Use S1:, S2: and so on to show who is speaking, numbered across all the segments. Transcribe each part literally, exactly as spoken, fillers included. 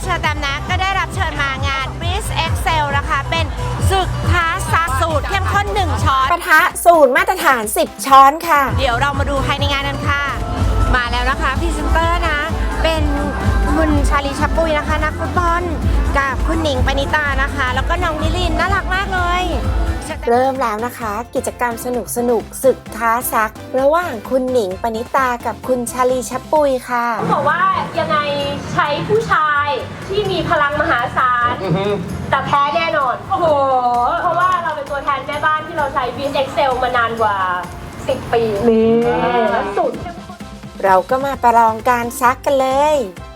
S1: เชอร์แตมนะก็ได้รับเชิญมางาน Bliss Excel นะคะเป็นศึกท้าซักสูตรเข้มข้นหนึ่งช้อน
S2: ปะทะสูตรมาตรฐานสิบช้อนค่ะ
S1: เดี๋ยวเรามาดูภายในงานกันค่ะมาแล้วนะคะพรีเซนเตอร์นะเป็นคุณชาลีชับปุยนะคะนักฟุตบอลกับคุณหนิงปณิตานะคะแล้วก็น้องนิลินน่ารักมากเลย
S2: เริ่มแล้วนะคะกิจกรรมสนุกสนุกศึกท้าซักระหว่างคุณหนิงปณิตากับคุณชาลีชับปุยค่ะ
S3: ต้องบอกว่ายังไงใช้ผู้ชายที่มีพลังมหาศาลแต่แพ้แน่นอนโอ้โหเพราะว่าเราเป็นตัวแทนแม่บ้านที่เราใช้ Bliss Excel มานานกว่าสิบปีนี่แล้วสุด
S2: เราก็มาประลองการซักกันเลย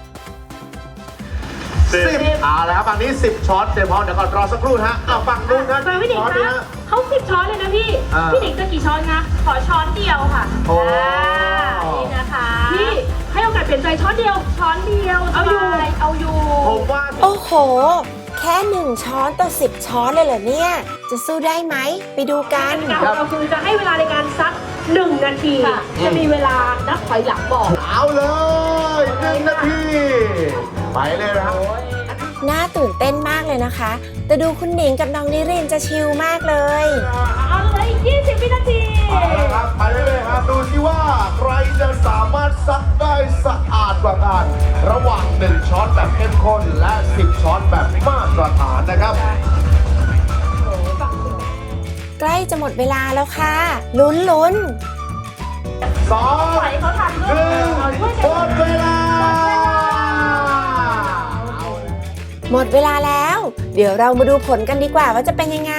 S4: สิบเอาแล้วฝั่งนี้สิบช้อนเดี๋ยวพอเดี๋ยวก่อนรอสักครู่นะเอาฝั่งนู้นนะ
S3: มาพี่หนิงคะเขาสิบช้อนเลยนะพี่พี่หนิงจะกี่ช้อนคะขอช้อนเดียวค่ะ
S4: โอ้
S3: นี่นะคะพี่ให้โอกาสเปลี่ยนใจช้อนเดียวช้อนเดียวเอาอยู่เอาอยู่
S4: ผมว่า
S2: โอ้โหแค่หนึ่งช้อนต่อสิบช้อนเลยเหรอเนี่ยจะสู้ได้ไหมไปดูกัน
S3: เราคือจะให้เวลาในการซักหนึ่งนาทีจะมีเวลานับถอยหลังบอก
S4: เอาเลยหนึ่งนาทีไปเลยนะครับ
S2: น่าตื่นเต้นมากเลยนะคะแต่ดูคุณหนิงกับน้องนิรินจะชิลมากเลย
S3: เอาเลยยี่สิบวินาที
S4: เอาละครับไปเลยครับดูสิว่าใครจะสามารถซักได้สะอาดกว่ากันระหว่างหนึ่งช้อนแบบเข้มข้นและสิบช้อนแบบมาตรฐานนะครับ
S2: ใกล้จะหมดเวลาแล้วค่ะลุ้นลุ้น
S4: สองหนึ่งหมดเวลา
S2: หมดเวลาแล้วเดี๋ยวเรามาดูผลกันดีกว่าว่าจะเป็นยังไง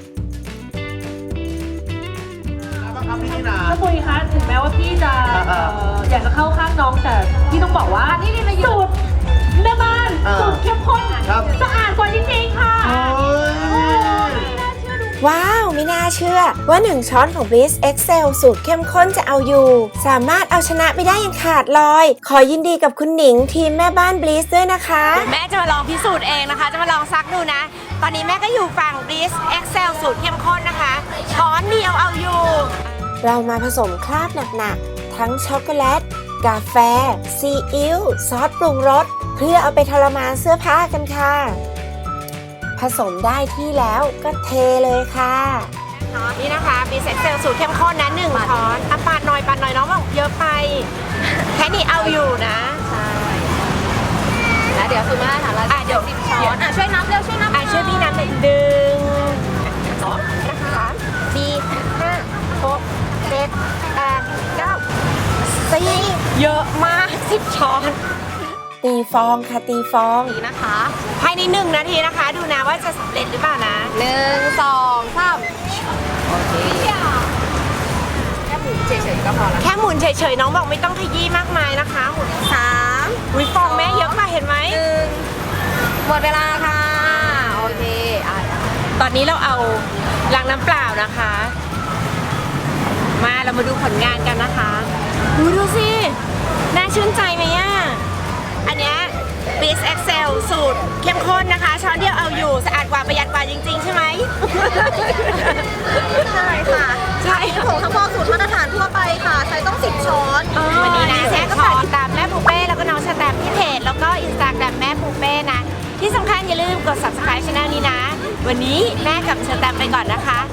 S3: ถ้าปุยคะถึงแม้ว่าพี่จะอยากจะเข้าข้างน้องแต่พี่ต้องบอกว่านี่นี่สูตรแม่บ้านสูตรเข้มข้นสะอาดกว่าจริงๆค่ะ
S2: ว้าวไม่น่าเชื่อว่าหนึ่งช้อนของ Bliss Excel สูตรเข้มข้นจะเอาอยู่สามารถเอาชนะไปได้อย่างขาดลอยขอยินดีกับคุณหนิงทีมแม่บ้าน Bliss ด้วยนะคะ
S1: แม่จะมาลองพิสูจน์เองนะคะจะมาลองซักดูนะตอนนี้แม่ก็อยู่ฝั่ง Bliss Excel สูตรเข้มข้นนะคะช้อนเดียวเอาอยู่
S2: เรามาผสมคราบหนักๆทั้งช็อกโกแลตกาแฟซีอิ๊วซอสปรุงรสเพื่อเอาไปทรมานเสื้อผ้ากันค่ะผสมได้ที่แล้วก็เทเลยค่ะ
S1: นี่นะคะมีเซ็ตเซลสูตรเข้มข้นนะหนึ่งช้อนอ่ะปาดหน่อยปาดหน่อยน้องบอกเยอะไปแค่นี้เอาอยู่นะใช่
S3: แล้วเดี๋ยวคือมาถามเรา
S1: อ่ะเดี๋ยวสิบช้อน
S3: อ่ะช่วยนับเร็วช่วยนับ
S1: อ่ะช่วยพี่นับหนึ่งดึงสองนะคะสี่ห้าหกเจ็ดแปดเก้าสี่เยอะมากสิบช้อน
S2: ตีฟองค่ะตีฟอง
S1: นี่นะคะภายในหนึ่งนาทีนะคะดูนะว่าจะสำเร็จหรือเปล่านะหนึ่งสองสามโอเคแค่หมุนเฉยๆก็พอแล้วแค่หมุนเฉยๆน้องบอกไม่ต้องขยี้มากมายนะคะหมุนสามวิฟองแม่เยอะมากเห็นไหมหนึ่งหมดเวลาค่ะโอเคตอนนี้เราเอาล้างน้ำเปล่านะคะมาเรามาดูผลงานกันนะคะดูดูสิน่าชื่นใจไหมอ่ะอันนี้ Bliss Excel สูตรเข้มข้นนะคะช้อนเดียวเอาอยู่สะอาดกว่าประหยัดกว่าจริงๆใช่ไหม
S3: ใช่ค่ะ
S1: ใช่
S3: ผงซักฟอกสูตรมาตรฐานทั่วไปค่ะใช้ต้องสิบช้อน
S1: วันนี้นะแม่ก็ฝากติดตามแม่ปูเป้แล้วก็น้องสแตมที่เพจแล้วก็อินสตาแกรมแม่ปูเป้นะที่สำคัญอย่าลืมกด ซับสไครบ์ ช่องนี้นะวันนี้แม่กับเชอร์แตมไปก่อนนะคะ